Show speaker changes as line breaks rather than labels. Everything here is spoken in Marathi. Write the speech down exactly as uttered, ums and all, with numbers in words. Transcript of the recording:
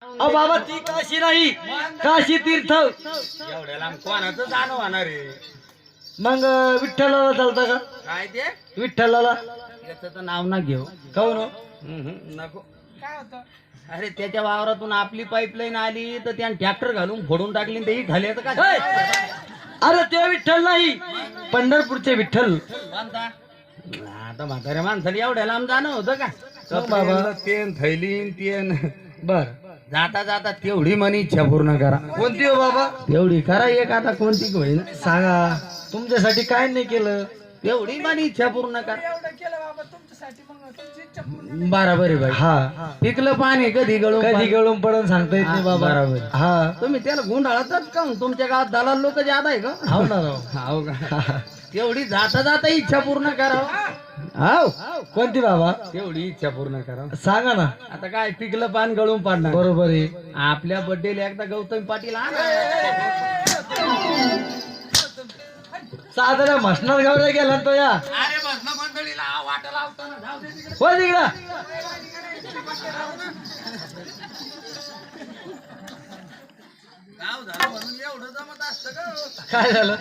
अ बाबा ती काशी नाही, काशी तीर्थ.
एवढ्या लांब कोणाचं जाणं होणार आहे?
मग अं, विठ्ठलाला चालतं का?
काय ते
विठ्ठलाला
याचं तर नाव ना घेऊ.
काहून हो?
हम्म, नको. काय होतं? अरे त्याच्या वावरातून आपली पाईपलाईन आली तर त्याने ट्रॅक्टर घालून फोडून टाकली आणि तेही खाली का
हे! अरे ते विठ्ठल नाही, पंढरपूरचे विठ्ठल.
बांधा. आता म्हाताऱ्या माणसाला एवढ्या लांब जाणं होतं का?
मग बाबा.
तेन थैलीन तेन
बर
जाता जाता तेवढी मनी इच्छा पूर्ण करा.
कोणती हो बाबा?
तेवढी करा एक आता कोणती होईल
सांगा, तुमच्यासाठी काय नाही केलं?
तेवढी मनी इच्छा पूर्ण करा. बरोबर आहे भाई.
हा,
पिकलं पाणी कधी गळून
कधी
पाणी-
गळून पडून सांगता येत नाही
हा,
बाबा.
बरोबर.
हा,
तुम्ही त्याला गुंडाळातच का तुमच्या गावात दलाल लोक जादा आहे का?
हाव ना राव.
हाव का? तेवढी जाता जाता इच्छा पूर्ण करा. हाव
कोणती बाबा?
तेवढी इच्छा पूर्ण करा.
सांगा ना.
आता काय पिकलं पान गळून पाडणार.
बरोबर आहे.
आपल्या बर्थडेला एकदा गौतम पाटील आणा.
साधारण म्हसणार गावला गेला तो या.
अरे बस ना मंडळीला वाटा लावताना जाऊ दे तिकडे.
हो तिकडं.
गाव झालं म्हणून एवढं जमत असतं का?
काय झालं?